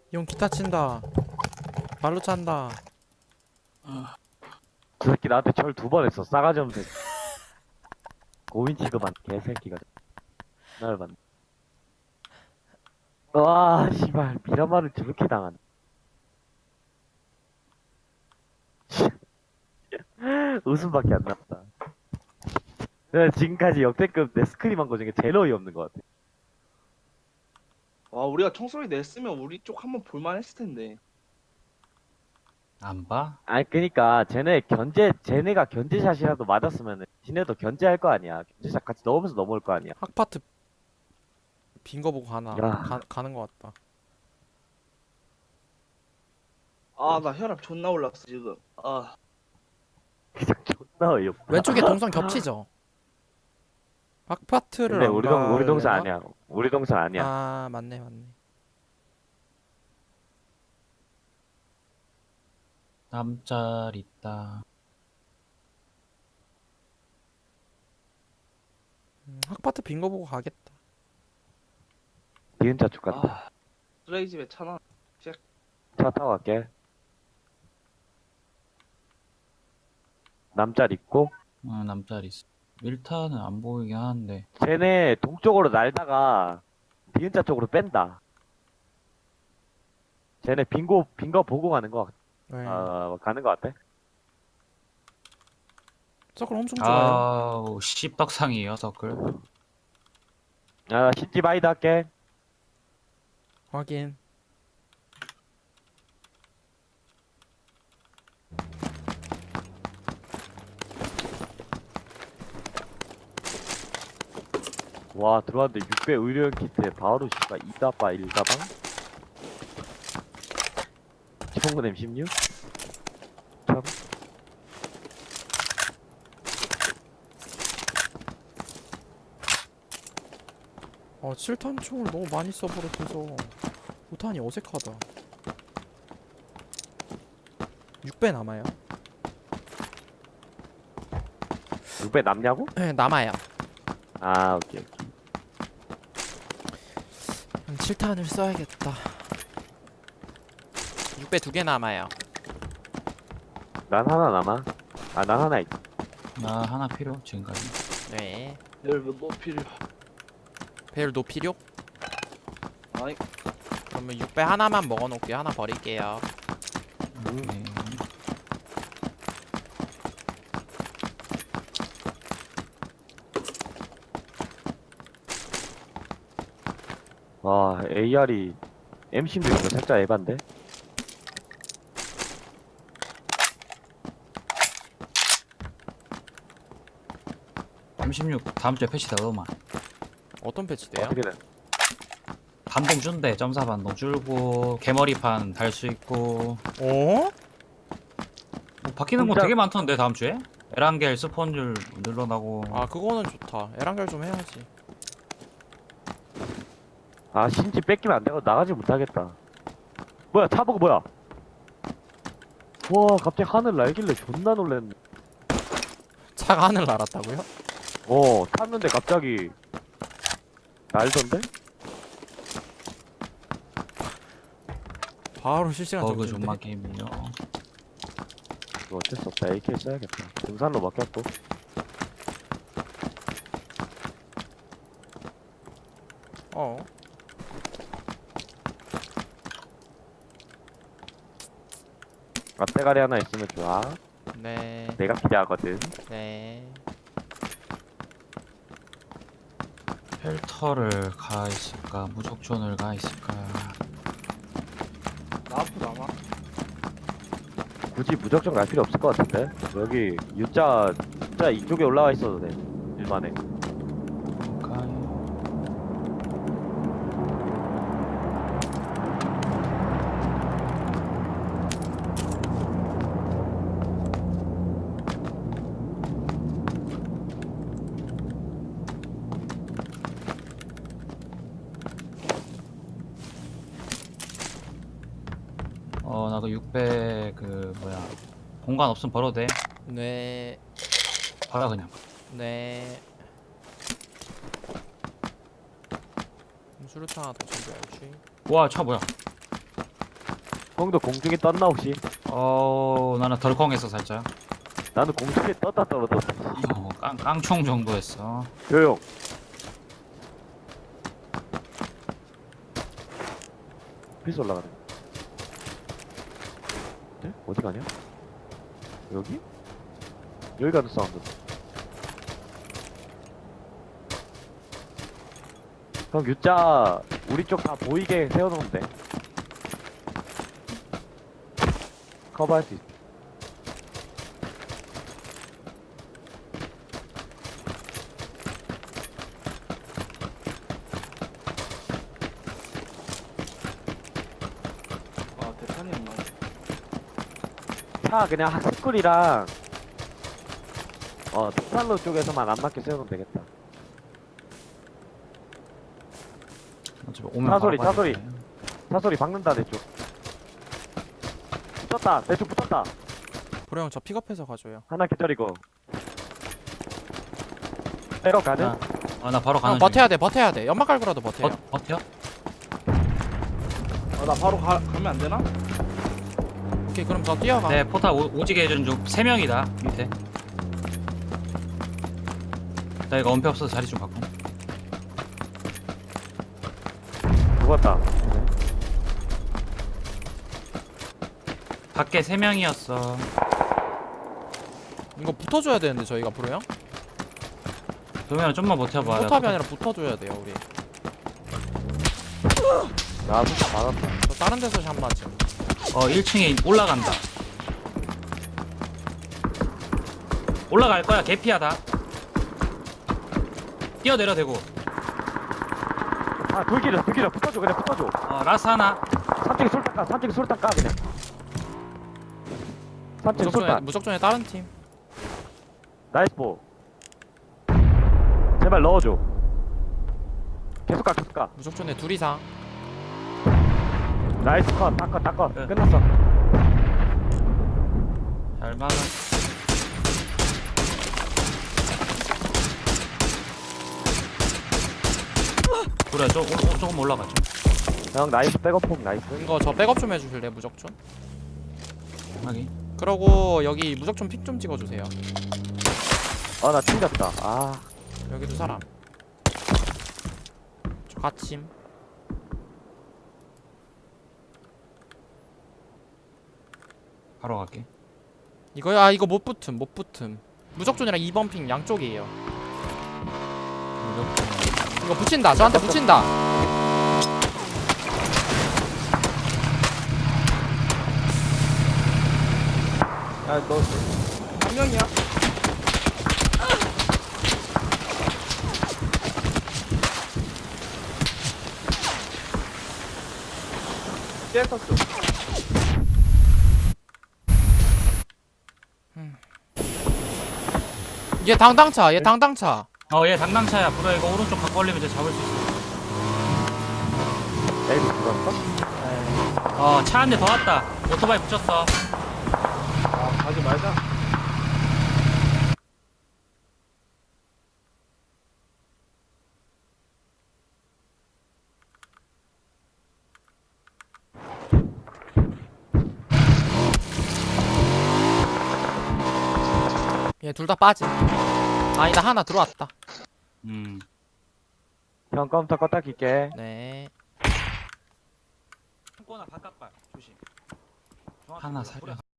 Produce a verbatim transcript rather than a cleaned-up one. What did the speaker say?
형 기타 친다. 발로 찬다. 저 새끼 나한테 절 두 번 했어. 싸가지 없는 새끼. 고인 취급한 개새끼가. 나를 봤네. 와, 씨발. 미라마를 저렇게 당하네. 웃음밖에 안 났다. 내가 지금까지 역대급 내 스크림 한 거 중에 제일 어이없는 것 같아. 와 우리가 총소리 냈으면 우리 쪽 한번 볼만 했을 텐데. 안 봐? 아니, 그니까, 쟤네 견제, 쟤네가 견제샷이라도 맞았으면은, 지네도 견제할 거 아니야. 견제샷 같이 넣으면서 넘어올 거 아니야. 학파트 빈 거 보고 가나. 야. 가, 가는 거 같다. 아 나 혈압 존나 올랐어 지금. 아 그냥 존나 어이없다. 왼쪽에 동선 겹치죠? 학파트를 근데 안 우리 동, 우리 동선 가려나? 아니야. 우리 동선 아니야. 아 맞네 맞네. 남짤 있다. 음, 학파트 빈 거 보고 가겠다. 니은자 쪽 같다. 아, 쓰레기 집에 차나. 차 타고 갈게. 남짤 있고, 어, 남짤 있어. 밀타는 안 보이긴 하는데. 쟤네 동쪽으로 날다가, 니은자 쪽으로 뺀다. 쟤네 빈거, 빈거 보고 가는 거, 네. 어, 가는 거 같아. 서클 엄청 좋아요. 아우, 씹떡상이에요, 서클. 아, 신지 바이드 할게. 확인. 와, 들어왔는데 육백 의료용 키트에 바로 씨발 이 다바 일 가방? 총군 엠 십육? 참. 아 칠 탄 총을 너무 많이 써버려서 오 탄이 어색하다. 육 배 남아요. 육백 남냐고? 네 남아요. 아, 오케이, 오케이. 칠 탄을 써야겠다. 육 배 두 개 남아요. 난 하나 남아. 아, 난 하나 있. 나 하나 필요, 지금까지. 네. 열몇 뭐 필요. 배율 높이료? 아니 그러면 육 배 하나만 먹어놓을게요. 하나 버릴게요. 오케이. 와, 에이알이 엠 십육인 거 살짝 에반데? 삼십육 다음 주에 패치다, 너만. 어떤 패치돼요? 어떻게든. 반동 준대, 점사 반동 줄고, 개머리판 달 수 있고. 어? 뭐 바뀌는 거 혼자- 되게 많던데, 다음 주에? 에란겔 스폰율 늘어나고. 아 그거는 좋다. 에란결 좀 해야지. 아, 신지 뺏기면 안 되고 나가지 못하겠다. 뭐야, 차보고 뭐야? 와, 갑자기 하늘 날길래 존나 놀랬네. 차가 하늘 날았다고요? 어, 탔는데 갑자기 날던데? 바로 실시간 버그 정지인데? 존마 게임이요. 이거 어쩔 수 없다. 에이케이 써야겠다. 등산로 막혔고. 어. 앞대가리 하나 있으면 좋아. 네. 내가 기대하거든. 네. 펠터를 가 있을까? 무적존을 가 있을까? 나 앞으로 남아. 굳이 무작정 갈 필요 없을 것 같은데? 여기 U자, U자 이쪽에 올라와 있어도 돼. 일반에. 가요. 어, 나 그 육백 그 뭐야 공간 없으면 벌어도 돼. 네. 받아 그냥. 네. 수류탄 하나 더 챙겨야지. 와, 차 뭐야? 형도 공중에 떴나 혹시? 어 나는 덜컹했어 살짝. 나는 공중에 떴다 떨어졌어. 어, 깡 깡총 정도였어. 조용. 필수 올라가네. 네? 어디 가냐? 여기? 여기 가는 사운드. 형 U자 우리 쪽 다 보이게 세워놓으면 돼. 커버할 수 있어. 아 대탄이 안 나오네. 차 그냥 학습꿀이랑 어 특산로 쪽에서만 안 맞게 세우면 되겠다. 어차피 오면 차 소리, 바로 차 소리. 가야 돼. 차 소리 박는다 내 쪽. 붙었다 내 쪽 붙었다. 보령 형 저 픽업해서 가줘요. 하나 기다리고. 백업 가능? 아, 아, 나 바로 가는 형 버텨야 돼 버텨야 돼. 연막 깔고라도 버텨요. 버, 버텨? 아나 바로 가, 가면 안 되나? 오케이 그럼 저 뛰어가. 네 포탑 오, 오지게 해준 중 세 명이다 밑에. 나 이거 엄폐 없어서 자리 좀 바꿔. 죽었다. 밖에 세 명이었어. 이거 붙어줘야 되는데 저희가 보령 형. 그러면 좀만 버텨봐. 나 포탑이 아니라 붙어줘야 돼요 우리. 나 진짜 맞았다. 저 다른 데서 샷 맞음. 어 일 층에 올라간다. 올라갈 거야 개피하다. 뛰어내려 대고. 아 돌기려 돌기려 붙어줘 그냥 붙어줘. 어 라스 하나. 삼층에 술탄 까 삼층에 술탄 까 그냥. 삼층에 무적존에 술탄. 무적존에 다른 팀. 나이스 보. 제발 넣어줘. 계속 가 계속 가. 무적존에 둘 이상. 나이스 컷. 다컷 다컷. 네. 끝났어. 잘 막아. 그래 조, 오, 오, 조금 올라가죠. 형 나이스 백업폭 나이스. 이거 저 백업 좀 해주실래 무적존? 확인. 그러고 여기 무적존 픽 좀 찍어주세요. 아 나 튕겼다. 아 여기도 사람. 저 갇힘. 바로 갈게. 이거야 아, 이거 못 붙음 못 붙음. 무적존이랑 이 번 핑 양쪽이에요. 이거 붙인다 저한테 붙인다. 야너 한 명이야? 깨졌어. 얘 당당차 얘 당당차. 어얘 당당차야. 불어 이거 오른쪽 갖고 올리면 이제 잡을 수 있어. 에이 죽었어? 어 차 한 대 더 왔다. 오토바이 붙였어. 아 가지 말자. 얘 둘 다 빠짐. 아니다 하나 들어왔다. 음. 형 컴퓨터 껐다 킬게. 네. 창고나 바깥발 조심. 하나 살려.